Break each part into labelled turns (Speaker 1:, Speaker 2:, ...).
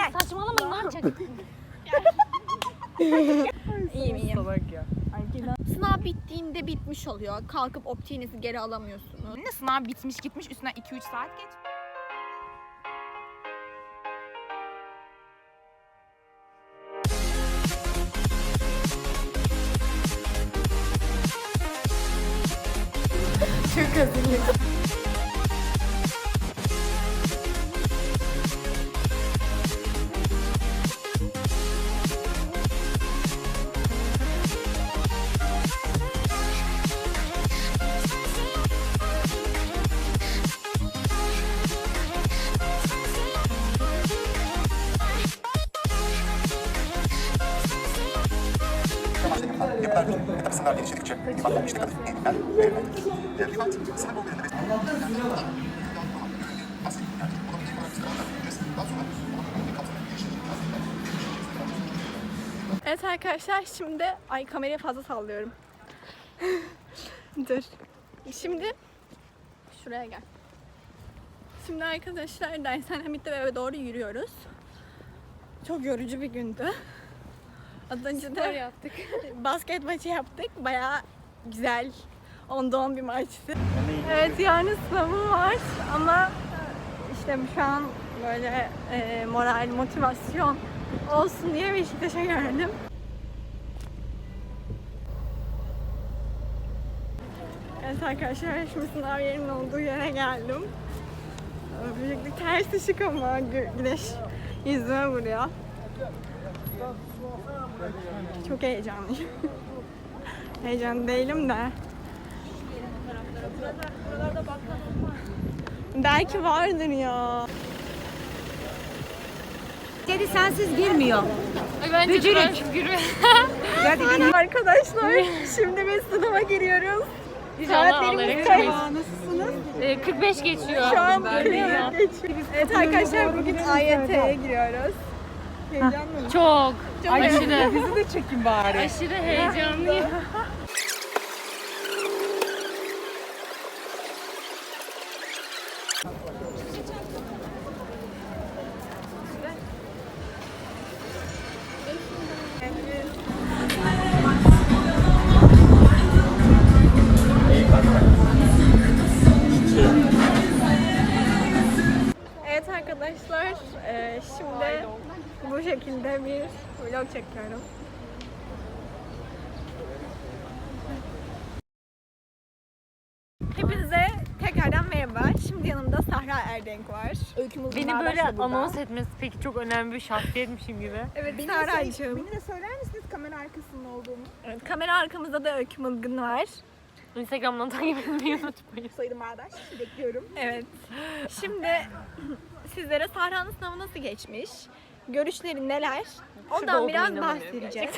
Speaker 1: Saçmalamayın lan çocuk.
Speaker 2: İyiyim.
Speaker 3: Salak ya.
Speaker 2: Sınav bittiğinde bitmiş oluyor. Kalkıp optiğinizi geri alamıyorsunuz.
Speaker 4: Yine sınav bitmiş gitmiş üstüne 2-3 saat geç.
Speaker 2: Çok hazırım.
Speaker 5: Yapılar metafiziksel geliştikçe limanların işte kadın eğitimler verilmeli. Liman, sınır bölgelerinde
Speaker 2: Evet arkadaşlar şimdi kamerayı fazla sallıyorum. Dur. Şimdi şuraya gel. Şimdi arkadaşlar dershanem bitti ve eve doğru yürüyoruz. Çok yorucu bir gündü. Az önce de
Speaker 1: yaptık.
Speaker 2: basket maçı yaptık. Bayağı güzel. 10'da 10 bir maçtı. Evet yarın sınavım var ama işte şu an böyle moral, motivasyon olsun diye Beşiktaş'a geldim. Evet arkadaşlar şimdi sınav yerinin olduğu yere geldim. Büyüklük ters ışık ama güneş yüzüme vuruyor. Çok heyecanlıyım. Heyecanlı değilim de. Belki vardır ya.
Speaker 1: Kedi sensiz girmiyor.
Speaker 4: Bence
Speaker 1: Bücürük.
Speaker 2: Arkadaşlar şimdi biz sınava giriyoruz. Saatlerimiz kaç? Nasılsınız?
Speaker 4: 45 geçiyor.
Speaker 2: Şu an geçiyor. Evet arkadaşlar bugün AYT'ye giriyoruz. Heyecanlı mı?
Speaker 4: Çok. Aşırı.
Speaker 3: Bizi de çekin bari.
Speaker 4: Aşırı heyecanlıyım.
Speaker 2: Evet arkadaşlar şimdi bu şekilde bir vlog çekiyorum. Hepinize tekrardan merhaba. Şimdi yanımda Sahra Erdenk var. Öykümüz
Speaker 4: Beni böyle anons etmesi peki çok önemli bir şahsiyetmişim gibi.
Speaker 2: Evet Sahra'cığım.
Speaker 6: Beni de söyler misiniz kamera arkasında olduğumu?
Speaker 2: Evet, kamera arkamızda da Öykü Mılgın var.
Speaker 4: Instagram'dan takip etmeyi unutmayın.
Speaker 6: Soyadım Bağdaş. Bekliyorum.
Speaker 2: Evet. Şimdi sizlere Sahra'nın sınavı nasıl geçmiş? Görüşleri neler? Ondan
Speaker 4: olduğuna
Speaker 2: biraz
Speaker 4: inanamıyorum
Speaker 2: bahsedeceğiz.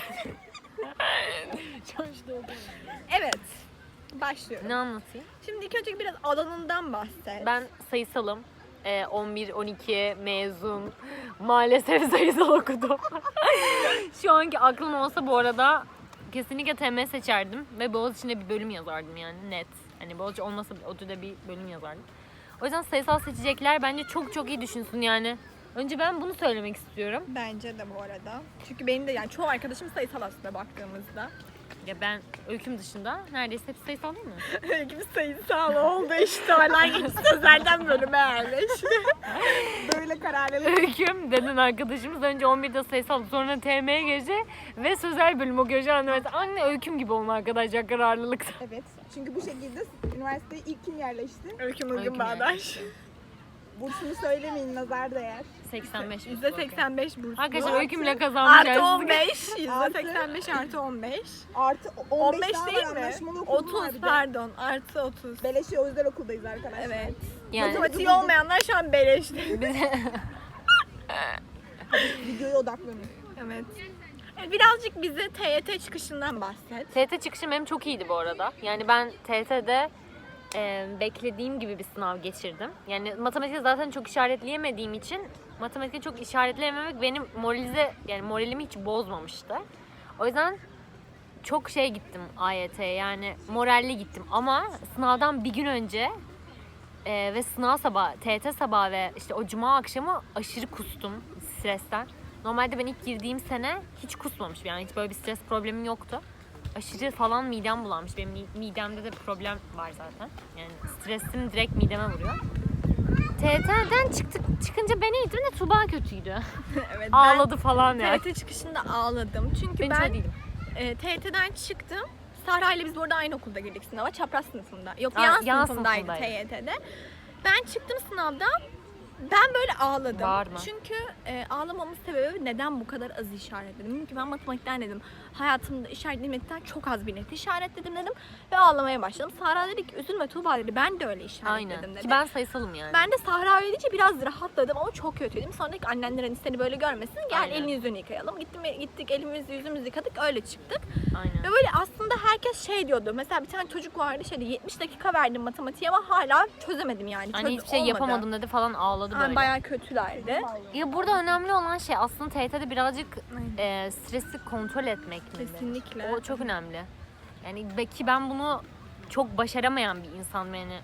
Speaker 4: Çalıştı.
Speaker 2: Evet. Başlıyorum.
Speaker 4: Ne anlatayım?
Speaker 2: Şimdi ilk önce biraz alanından bahset.
Speaker 4: Ben sayısalım. 11-12 mezun. Maalesef sayısal okudum. Şu anki aklım olsa bu arada kesinlikle TM seçerdim ve Boğaziçi'nde bir bölüm yazardım yani net. Hani Boğaziçi olmasa ODTÜ'de bir bölüm yazardım. O yüzden sayısal seçecekler bence çok çok iyi düşünsün yani. Önce ben bunu söylemek istiyorum.
Speaker 2: Bence de bu arada. Çünkü benim de yani çoğu arkadaşım sayısal aslında baktığımızda.
Speaker 4: Ya ben öyküm dışında neredeyse hepsi sayısal değil mi?
Speaker 2: Öykümüz sayısal oldu işte. Hala geçti sözlerden bölüme yerleşti.
Speaker 6: Böyle kararlı.
Speaker 4: Öyküm denen arkadaşımız önce 11'de sayısal sonra TM'ye geçti ve sözel bölüm okuyor şu an. Anne öyküm gibi olma arkadaşlar kararlılıkta.
Speaker 6: Evet. Çünkü bu şekilde üniversiteye ilk kim yerleşti?
Speaker 2: Öykü Mılgın
Speaker 4: Öyküm
Speaker 2: Bağdaş.
Speaker 6: Bursunu söylemeyin, nazar değer.
Speaker 4: 85.
Speaker 2: %85 burs.
Speaker 4: Arkadaşlar öykümle kazanmış.
Speaker 2: Artı 15. %85 artı 15.
Speaker 6: Artı
Speaker 2: 15
Speaker 6: daha
Speaker 2: değil
Speaker 6: var,
Speaker 2: mi?
Speaker 6: anlaşmalı okulum
Speaker 2: 30
Speaker 6: var bir de.
Speaker 2: pardon. Artı 30.
Speaker 6: Beleşi özel okuldayız arkadaşlar.
Speaker 2: Evet.
Speaker 4: Yani
Speaker 2: Matematiği olmayanlar şu an beleşti.
Speaker 6: Videoya odaklanın.
Speaker 2: Evet. Birazcık bize TYT çıkışından bahset.
Speaker 4: TYT çıkışım benim çok iyiydi bu arada. Yani ben TYT'de beklediğim gibi bir sınav geçirdim. Yani matematikte zaten çok işaretleyemediğim için matematikte çok işaretleyememek benim moralimi hiç bozmamıştı. O yüzden çok gittim AYT'ye yani moralli gittim ama sınavdan bir gün önce Ve sınav sabahı, TYT sabahı ve işte o cuma akşamı aşırı kustum stresten. Normalde ben ilk girdiğim sene hiç kusmamışım, yani hiç böyle bir stres problemim yoktu. Aşırı falan midem bulanmış. Benim midemde de problem var zaten. Yani stresim direkt mideme vuruyor. TYT'den çıkınca ben iyiydim de Tuğba kötüydü.
Speaker 2: Evet,
Speaker 4: Ağladı falan yani.
Speaker 2: TYT çıkışında ağladım. Çünkü
Speaker 4: Ben hiç öyle değilim.
Speaker 2: TYT'den çıktım. Sahra ile biz burada aynı okulda girdik sınava. Çapraz sınıfında. Yok,
Speaker 4: Aa,
Speaker 2: yan
Speaker 4: yan
Speaker 2: sınıfındaydı
Speaker 4: sınıfındaydı.
Speaker 2: TYT'de. Ben çıktım sınavdan. Ben böyle ağladım.
Speaker 4: Bağırma.
Speaker 2: Çünkü ağlamamın sebebi neden bu kadar az işaretledim. Dedim ki ben matematikten dedim. Hayatımda işaretlemekten çok az bir net işaretledim dedim. Ve ağlamaya başladım. Sahra dedi ki üzülme Tuğba dedi. Ben de öyle işaretledim
Speaker 4: Aynen.
Speaker 2: dedi.
Speaker 4: Ki ben sayısalım yani.
Speaker 2: Ben de Sahra öyle deyince biraz rahatladım ama çok kötüydüm. Sonra dedik annenler hani seni böyle görmesin. Gel
Speaker 4: Aynen.
Speaker 2: elini yüzünü yıkayalım. Gittik elimizi yüzümüzü yıkadık öyle çıktık.
Speaker 4: Aynen.
Speaker 2: Ve böyle aslında herkes şey diyordu. Mesela bir tane çocuk vardı şeydi 70 dakika verdim matematiğe ama hala çözemedim yani.
Speaker 4: Hani hiçbir şey yapamadım dedi falan, ağladı böyle.
Speaker 2: Yani bayağı kötülerdi.
Speaker 4: Ya burada önemli olan şey aslında TYT'de birazcık stresi kontrol etmek mi?
Speaker 2: Kesinlikle.
Speaker 4: O çok önemli. Yani belki ben bunu çok başaramayan bir insanım yani.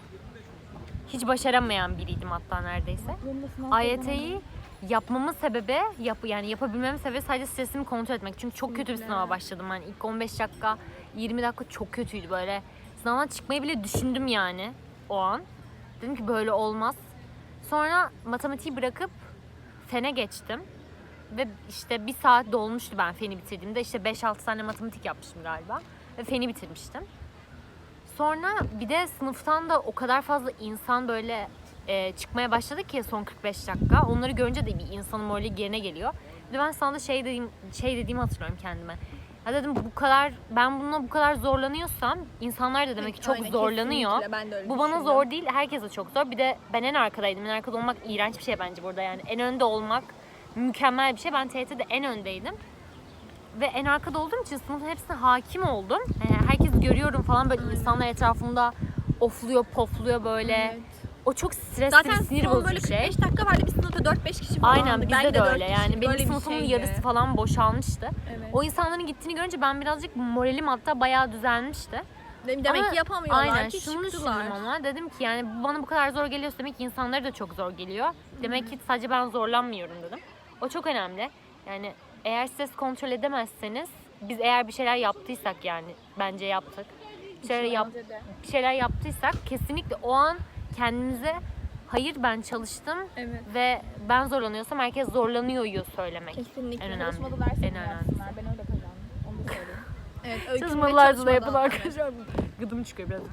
Speaker 4: Hiç başaramayan biriydim hatta neredeyse. AYT'yi yapmamın sebebi, yani yapabilmemin sebebi sadece stresimi kontrol etmek. Çünkü çok kötü bir sınava başladım. Yani ilk 15 dakika, 20 dakika çok kötüydü böyle. Sınavdan çıkmayı bile düşündüm yani o an. Dedim ki böyle olmaz. Sonra matematiği bırakıp fene geçtim. Ve işte bir saat dolmuştu ben feni bitirdiğimde. İşte 5-6 tane matematik yapmıştım galiba. Ve feni bitirmiştim. Sonra bir de sınıftan da o kadar fazla insan böyle çıkmaya başladı ki son 45 dakika. Onları görünce de bir insanın morali yerine geliyor. Bir de ben sana şey dediğimi hatırlıyorum kendime. Ya dedim ben bununla bu kadar zorlanıyorsam insanlar da demek ki çok
Speaker 2: Aynen,
Speaker 4: zorlanıyor.
Speaker 2: kesinlikle. Ben de öyle
Speaker 4: Bu bana
Speaker 2: düşündüm.
Speaker 4: zor değil, herkese çok zor. Bir de ben en arkadaydım. En arkada olmak iğrenç bir şey bence burada yani. En önde olmak mükemmel bir şey. Ben TYT'de en öndeydim. Ve en arkada olduğum için sınıfın hepsine hakim oldum. Herkes görüyorum falan, böyle insanlar etrafımda ofluyor, pofluyor böyle.
Speaker 2: Evet.
Speaker 4: O çok stresli,
Speaker 2: Zaten
Speaker 4: bir sinir
Speaker 2: son
Speaker 4: bozucu
Speaker 2: böyle
Speaker 4: bir şey.
Speaker 2: 45 dakika vardı. Bir sınıfta 4-5 kişi falan.
Speaker 4: Aynen bizde de öyle yani. Benim sınıfımın yarısı
Speaker 2: falan.
Speaker 4: falan boşalmıştı.
Speaker 2: Evet.
Speaker 4: O insanların gittiğini görünce ben birazcık moralim hatta bayağı düzelmişti.
Speaker 2: Demek
Speaker 4: Ama
Speaker 2: ki yapamıyorlar
Speaker 4: aynen
Speaker 2: ki
Speaker 4: şunu
Speaker 2: çıktılar.
Speaker 4: düşündüm ama dedim ki yani bu bana bu kadar zor geliyorsa demek ki insanlara da çok zor geliyor. Demek ki sadece ben zorlanmıyorum dedim. O çok önemli. Yani eğer stres kontrol edemezseniz, biz eğer bir şeyler yaptıysak, yani bence yaptık. Bir şeyler yaptıysak kesinlikle o an kendinize hayır ben çalıştım
Speaker 2: Evet.
Speaker 4: ve ben zorlanıyorsam herkes zorlanıyor söylemek.
Speaker 2: Kesinlikle.
Speaker 4: En önemli.
Speaker 6: Çalışmalı derse
Speaker 4: En önemli.
Speaker 6: yapsınlar. Ben öyle kazandım. Onu da söyleyeyim.
Speaker 2: Evet, öykünün ve
Speaker 4: Çalışmalılar da yapın
Speaker 2: çalışmadan.
Speaker 4: arkadaşlar. Gıdım çıkıyor biraz.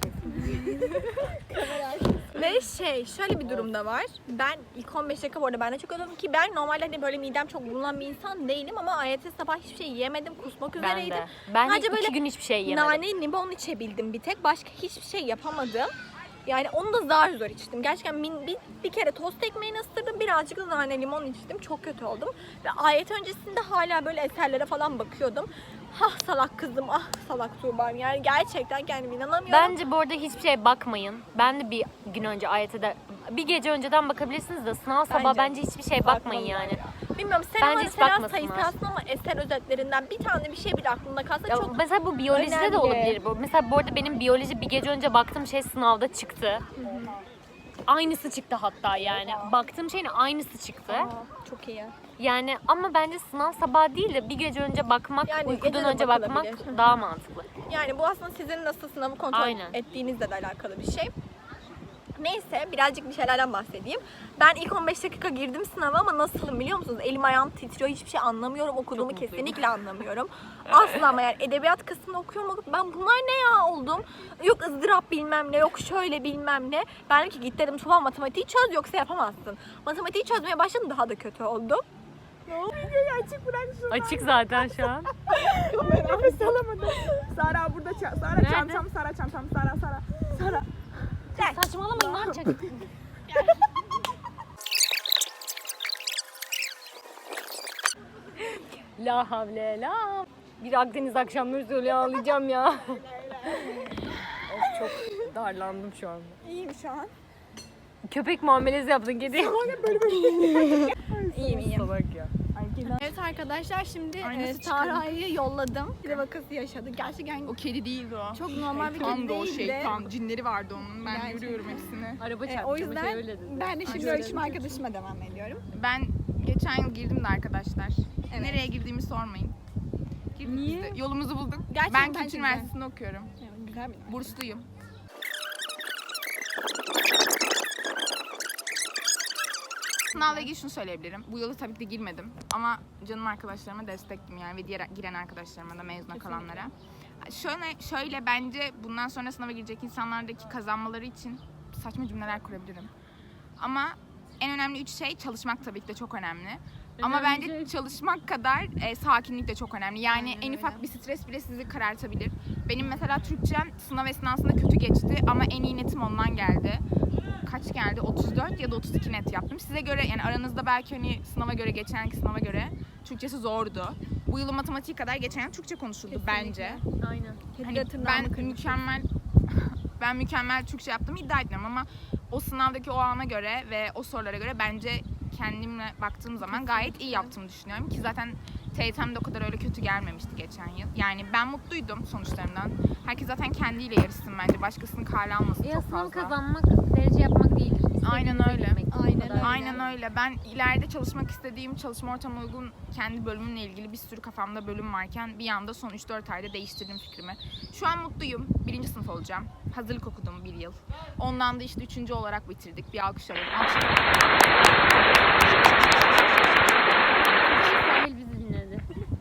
Speaker 2: Ve şöyle bir durumda var. Ben ilk 15 dakika bu arada ben de çok ödüm ki ben normalde hani böyle midem çok bulunan bir insan değilim ama AYT sabah hiçbir şey yemedim, kusmak
Speaker 4: Ben
Speaker 2: üzereydim.
Speaker 4: de. Ben
Speaker 2: Sadece
Speaker 4: de 2
Speaker 2: böyle
Speaker 4: gün hiçbir şey yemedim.
Speaker 2: Nane limon içebildim bir tek. Başka hiçbir şey yapamadım. Yani onu da zar zor içtim. Gerçekten bir kere tost ekmeğini ısırdım. Birazcık da nane limon içtim. Çok kötü oldum. Ve ayet öncesinde hala böyle eserlere falan bakıyordum. Ah salak kızım, ah salak Tuğba'm. Yani gerçekten kendime inanamıyorum.
Speaker 4: Bence bu arada hiçbir şeye bakmayın. Ben de bir gün önce AYT'de, bir gece önceden bakabilirsiniz de sınav sabah bence hiçbir şeye bakmayın yani.
Speaker 2: Bilmiyorum sen
Speaker 4: Bence
Speaker 2: ama
Speaker 4: hiç
Speaker 2: mesela
Speaker 4: bakmasınlar.
Speaker 2: sayısalsın ama eser özetlerinden bir tane bir şey bile aklında kalsa
Speaker 4: Ya
Speaker 2: çok
Speaker 4: mesela bu biyolojide de
Speaker 2: önemli.
Speaker 4: olabilir bu. Mesela bu arada benim biyoloji bir gece önce baktığım şey sınavda çıktı. Aynısı çıktı hatta yani. Baktığım şeyin aynısı çıktı.
Speaker 2: çok iyi.
Speaker 4: Yani ama bence sınav sabah değil de bir gece önce bakmak,
Speaker 2: Yani
Speaker 4: uykudan
Speaker 2: gece de
Speaker 4: önce bakmak
Speaker 2: bakılabilir.
Speaker 4: daha mantıklı.
Speaker 2: Yani bu aslında sizin nasıl sınavı kontrol
Speaker 4: Aynen.
Speaker 2: ettiğinizle de alakalı bir şey. Neyse birazcık bir şeylerden bahsedeyim. Ben ilk 15 dakika girdim sınava ama nasılım biliyor musunuz? Elim ayağım titriyor, hiçbir şey anlamıyorum. Okuduğumu
Speaker 4: Çok mutluyum.
Speaker 2: kesinlikle anlamıyorum. Asla ama yani edebiyat kısmını okuyorum. Ben bunlar ne ya oldum? Yok ızdırap bilmem ne, yok şöyle bilmem ne. Ben dedim ki git dedim Tuba matematiği çöz yoksa yapamazsın. Matematiği çözmeye başladım daha da kötü oldum. Ne oldu?
Speaker 6: Açık bırak şunu.
Speaker 4: Açık zaten şu an.
Speaker 6: Ben nefes alamadım. Sara burada Sara
Speaker 4: Nerede?
Speaker 6: çantam, Sara çantam, Sara. Sara.
Speaker 4: Saçmalamayın lan çocuk. La havle la. Bir Akdeniz akşamları söylüyor, ağlayacağım ya. Of çok darlandım şu anda.
Speaker 2: İyiyim şu an.
Speaker 4: köpek muamelesi yaptın kediye.
Speaker 2: İyiyim iyiyim.
Speaker 4: Salak ya.
Speaker 2: Evet arkadaşlar şimdi
Speaker 6: Aynası
Speaker 2: Sahra'yı yolladım. Bir vakası yaşadı. Gerçekten
Speaker 6: O kedi değildi o.
Speaker 2: çok normal bir
Speaker 6: Şeytan
Speaker 2: kedi
Speaker 6: da o
Speaker 2: değildi.
Speaker 6: şeytan. Cinleri vardı onun. Ben
Speaker 2: Gerçekten.
Speaker 6: görüyorum hepsini.
Speaker 4: Araba çarptı.
Speaker 2: O yüzden
Speaker 4: öyle dedi.
Speaker 2: ben de şimdi
Speaker 6: Ay,
Speaker 2: ölçüm arkadaşıma devam ediyorum.
Speaker 6: Ben geçen yıl girdim de arkadaşlar.
Speaker 2: Evet.
Speaker 6: Nereye girdiğimi sormayın. Girdik
Speaker 4: Niye?
Speaker 6: biz de. Yolumuzu bulduk.
Speaker 2: Gerçekten
Speaker 6: Ben Kültür
Speaker 2: güzel.
Speaker 6: Üniversitesi'nde okuyorum.
Speaker 2: Evet, güzel bir
Speaker 6: Bursluyum. Sınavla ilgili şunu söyleyebilirim. Bu yılı tabii ki de girmedim. Ama canım arkadaşlarıma destektim yani ve diğer giren arkadaşlarıma da mezuna kalanlara. Şöyle bence bundan sonra sınava girecek insanlardaki kazanmaları için saçma cümleler kurabilirim. Ama en önemli 3 şey çalışmak tabii ki de çok önemli. Ama
Speaker 4: Önemli
Speaker 6: bence
Speaker 4: şey-
Speaker 6: çalışmak kadar sakinlik de çok önemli. Yani
Speaker 2: Aynen
Speaker 6: en
Speaker 2: öyle.
Speaker 6: ufak bir stres bile sizi karartabilir. Benim mesela Türkçem sınav esnasında kötü geçti ama en iyi netim ondan geldi. Kaç geldi? 34 ya da 32 net yaptım. Size göre yani aranızda belki hani sınava göre geçenki sınava göre Türkçesi zordu. Bu yıl matematiği kadar geçen yıl Türkçe konuşuldu bence.
Speaker 4: Aynen.
Speaker 6: Hani ben mükemmel Türkçe yaptığımı iddia etmiyorum ama o sınavdaki o ana göre ve o sorulara göre bence kendimle baktığım zaman gayet iyi yaptığımı düşünüyorum ki zaten TYT'm de o kadar öyle kötü gelmemişti geçen yıl. Yani ben mutluydum sonuçlarımdan. Herkes zaten kendiyle yarışsın bence. Başkasının kale almasın çok
Speaker 4: Sınav
Speaker 6: fazla.
Speaker 4: kazanmak, derece yapmak değildir.
Speaker 6: Aynen
Speaker 4: İstediğinize
Speaker 6: öyle.
Speaker 4: gitmek, bu
Speaker 2: Aynen
Speaker 4: kadar.
Speaker 2: öyle.
Speaker 6: Aynen öyle. Ben ileride çalışmak istediğim, çalışma ortamına uygun kendi bölümümle ilgili bir sürü kafamda bölüm varken bir anda son 3-4 ayda değiştirdim fikrimi. Şu an mutluyum. 1. sınıf olacağım. Hazırlık okudum 1 yıl. Ondan da işte 3. olarak bitirdik. Bir alkış alalım.
Speaker 4: Sahil bizi dinledi.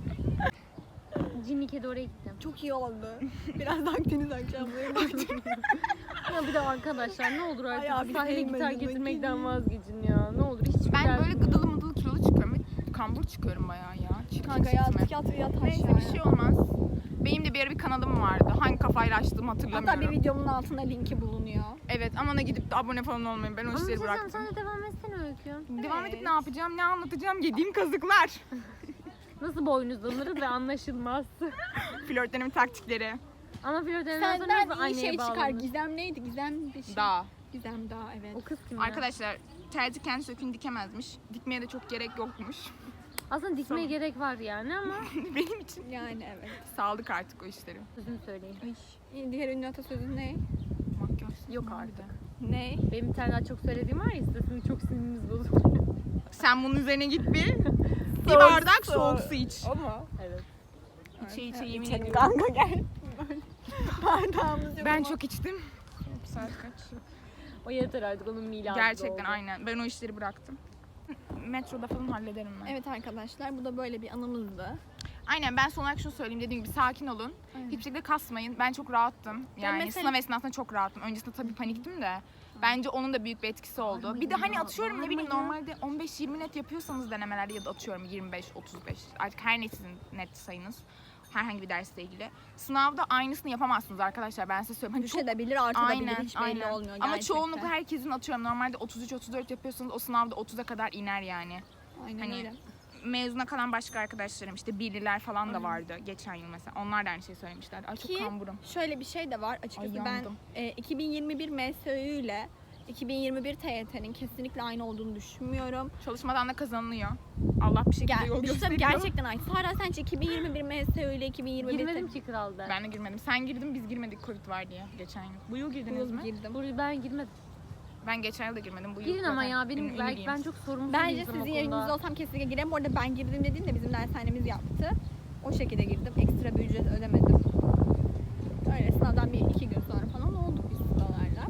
Speaker 4: Cinli kedi oraya gitti.
Speaker 2: Çok iyi oldu. Biraz da Akdeniz akşamları baktım.
Speaker 4: Ya bir de arkadaşlar ne olur
Speaker 2: Ay
Speaker 4: artık
Speaker 2: abi,
Speaker 4: sahile
Speaker 2: sevmedim
Speaker 4: gitar
Speaker 2: ben
Speaker 4: getirmekten
Speaker 2: kediyi.
Speaker 4: vazgeçin ya. Ne olur hiç
Speaker 6: Ben böyle gıdılı mıdılı kilolu çıkıyorum. Ve kambur çıkıyorum bayağı ya. Çirkin
Speaker 2: Kanka yat
Speaker 6: çıkma.
Speaker 2: yat
Speaker 6: Neyse
Speaker 2: aşağıya.
Speaker 6: bir şey olmaz. Benim de bir ara bir kanalım vardı. Hangi kafayla açtığımı hatırlamıyorum.
Speaker 2: Hatta bir videomun altında linki bulunuyor.
Speaker 6: Evet ama ona gidip de abone falan olmayın. Ben o
Speaker 4: Ama
Speaker 6: işleri
Speaker 4: sen
Speaker 6: bıraktım.
Speaker 4: de devam etsene Öykü.
Speaker 6: Devam edip ne yapacağım, ne anlatacağım? Yediğim kazıklar.
Speaker 4: Nasıl boynuzlanırız ve anlaşılmaz.
Speaker 6: Flörtlerimin taktikleri.
Speaker 4: Ama flörtlerinden sonra
Speaker 2: Senden
Speaker 4: nasıl
Speaker 2: iyi
Speaker 4: anneye
Speaker 2: şey çıkar.
Speaker 4: bağlanır?
Speaker 2: Gizem neydi? Gizem bir şey.
Speaker 6: Dağ.
Speaker 2: Gizem Dağ evet.
Speaker 4: O kız kim ya?
Speaker 6: Arkadaşlar terzi kendi söküğünü dikemezmiş. Dikmeye de çok gerek yokmuş.
Speaker 4: Aslında dikmeye gerek var yani ama
Speaker 6: Benim için
Speaker 2: Yani evet.
Speaker 6: sağlık artık o işleri.
Speaker 4: sözünü söyleyeyim.
Speaker 2: Diğer ünlü atasözü ne?
Speaker 6: Makyaj.
Speaker 4: Yok artık.
Speaker 2: Ne?
Speaker 4: Benim bir tane daha çok söylediğim var ya sesini çok sinirimiz bozuluyor.
Speaker 6: Sen bunun üzerine git bir bardak soğuk su iç.
Speaker 2: O mu?
Speaker 4: Evet.
Speaker 6: İçe yemin
Speaker 2: İçelim
Speaker 6: ediyorum.
Speaker 2: kanka gel. Bardağımız yok
Speaker 6: Ben
Speaker 2: ama.
Speaker 6: çok içtim. Saat kaç?
Speaker 4: O yeter artık onun miladı
Speaker 6: Gerçekten
Speaker 4: oldu.
Speaker 6: aynen. Ben o işleri bıraktım. Metroda falan hallederim ben.
Speaker 2: Evet arkadaşlar bu da böyle bir anımızdı.
Speaker 6: Aynen ben son olarak şunu söyleyeyim dediğim gibi sakin olun. Hiçbir şekilde kasmayın. Ben çok rahattım. Yani
Speaker 2: mesela-
Speaker 6: sınav esnasında çok rahattım. Öncesinde tabii paniktim de. Bence onun da büyük bir etkisi oldu. Bir de hani atıyorum ne bileyim normalde 15-20 net yapıyorsanız denemelerde ya da atıyorum 25-35 artık her net sizin net sayınız. Herhangi bir dersle ilgili. Sınavda aynısını yapamazsınız arkadaşlar ben size söyleyeyim. Hani çok
Speaker 2: Düşebilir, artabilir hiç belli
Speaker 6: aynen.
Speaker 2: olmuyor
Speaker 6: Ama
Speaker 2: gerçekten.
Speaker 6: çoğunlukla herkesin atıyorum normalde 33-34 yapıyorsanız o sınavda 30'a kadar iner yani.
Speaker 2: Aynen
Speaker 6: Hani
Speaker 2: öyle.
Speaker 6: mezuna kalan başka arkadaşlarım işte birliler falan da vardı geçen yıl mesela. Onlar da aynı şeyi söylemişlerdi. Ay çok
Speaker 2: Ki
Speaker 6: kamburum.
Speaker 2: şöyle bir şey de var açıkçası
Speaker 6: Ay,
Speaker 2: ben
Speaker 6: yandım.
Speaker 2: 2021 MSÖ ile 2021 TYT'nin kesinlikle aynı olduğunu düşünmüyorum.
Speaker 6: Çalışmadan da kazanılıyor. Allah bir şekilde yol
Speaker 2: Bir şey
Speaker 6: gösteriyor.
Speaker 2: gerçekten aynı. Sara sen hiç 2021 MSÖ ile 2021
Speaker 4: Girmedim ki kral ben.
Speaker 6: Ben de girmedim. Sen girdin biz girmedik Covid var diye geçen yıl. Bu yıl girdiniz mi?
Speaker 2: girdim.
Speaker 4: Buraya ben girmedim.
Speaker 6: Ben geçen yıl da girmedim. Bu yıl
Speaker 4: Girin ama
Speaker 6: zaten
Speaker 4: ya benim belki
Speaker 6: ümidiyim.
Speaker 4: ben çok sorumsuz
Speaker 2: Bence
Speaker 4: bir
Speaker 2: sizin
Speaker 4: okulda.
Speaker 2: yerinizde olsam kesinlikle girerim. Bu arada ben girdim dediğimde bizim dershanemiz yaptı. O şekilde girdim. Ekstra bir ücret ödemedim. Öyle sınavdan bir iki gün sonra falan olduk biz sınavlarla.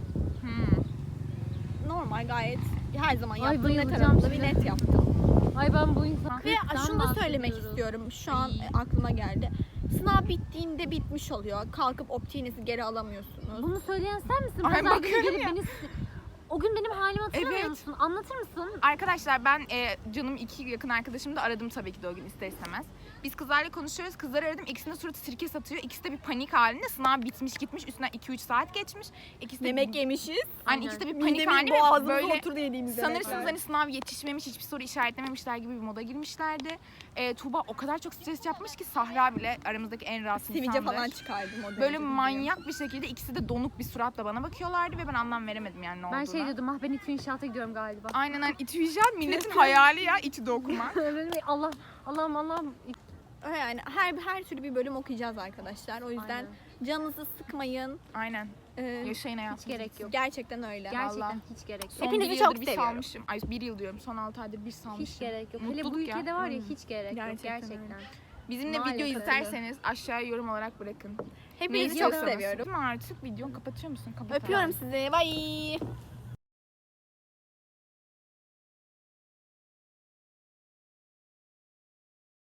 Speaker 2: Normal gayet her zaman
Speaker 4: Ay,
Speaker 2: yaptığım net
Speaker 4: bayılacağım
Speaker 2: aramında bir
Speaker 4: size.
Speaker 2: net yaptım.
Speaker 4: Ay ben bu insan.
Speaker 2: Ve şunu da söylemek istiyorum. Şu an aklıma geldi. Sınav bittiğinde bitmiş oluyor. Kalkıp optiğinizi geri alamıyorsunuz.
Speaker 4: Bunu söyleyen sen misin?
Speaker 6: Ay,
Speaker 4: Pazar günü
Speaker 6: bakıyorum
Speaker 4: gelip
Speaker 6: ya.
Speaker 4: beni... O gün benim halimi hatırlamıyor
Speaker 6: Evet.
Speaker 4: musun? Anlatır mısın?
Speaker 6: Arkadaşlar ben canım iki yakın arkadaşımı da aradım tabii ki de o gün ister istemez. Biz kızlarla konuşuyoruz. Kızları aradım. İkisinin suratı sirke satıyor. İkisi de bir panik halinde. Sınav bitmiş gitmiş. Üstünden 2-3 saat geçmiş. İkisi de
Speaker 2: Yemek yemişiz.
Speaker 6: hani ikisi de bir panik
Speaker 2: Midemiz
Speaker 6: halinde ve
Speaker 2: boğazımıza
Speaker 6: böyle
Speaker 2: oturdu yediğimiz
Speaker 6: sanırsınız
Speaker 2: yemekler.
Speaker 6: hani sınav yetişmemiş, hiçbir soru işaretlememişler gibi bir moda girmişlerdi. Tuğba o kadar çok stres yapmış ki Sahra bile aramızdaki en rahatsız
Speaker 2: Sivilce
Speaker 6: insandır.
Speaker 2: falan çıkardım o
Speaker 6: Böyle
Speaker 2: derece
Speaker 6: manyak bir şekilde ikisi de donuk bir suratla bana bakıyorlardı ve ben anlam veremedim yani ne
Speaker 4: Ben
Speaker 6: olduğunu.
Speaker 4: şey şey diyordum. Ah ben İTÜ inşaata gidiyorum galiba.
Speaker 6: Aynen İTÜ inşaat milletin hayali ya İTÜ'de okumak.
Speaker 4: Allah'ım.
Speaker 2: Yani her türlü bir bölüm okuyacağız arkadaşlar. O yüzden
Speaker 4: Aynen.
Speaker 2: canınızı sıkmayın.
Speaker 6: Aynen. Yaşayın hayatınızı.
Speaker 4: Hiç gerek yok.
Speaker 2: Gerçekten öyle.
Speaker 4: Gerçekten
Speaker 6: Vallahi.
Speaker 4: hiç gerek yok.
Speaker 6: Son
Speaker 2: Hepinizi
Speaker 6: bir
Speaker 2: çok
Speaker 6: yıldır bir
Speaker 2: seviyorum.
Speaker 6: salmışım. Ay bir yıl diyorum. Son 6 aydır bir salmışım.
Speaker 4: Hiç gerek yok. Hele bu
Speaker 6: Mutluluk ya.
Speaker 4: ülkede var ya hiç gerek yok.
Speaker 2: Gerçekten
Speaker 4: Gerçekten.
Speaker 6: Bizimle
Speaker 4: Maalesef
Speaker 6: video
Speaker 4: öyle.
Speaker 6: isterseniz aşağıya yorum olarak bırakın.
Speaker 2: Hepinizi
Speaker 6: Ne
Speaker 2: çok
Speaker 6: istiyorsanız.
Speaker 2: seviyorum.
Speaker 6: Değil mi artık? Videonu kapatıyor musun? Kapat
Speaker 2: Öpüyorum
Speaker 6: abi.
Speaker 2: sizi. Bye.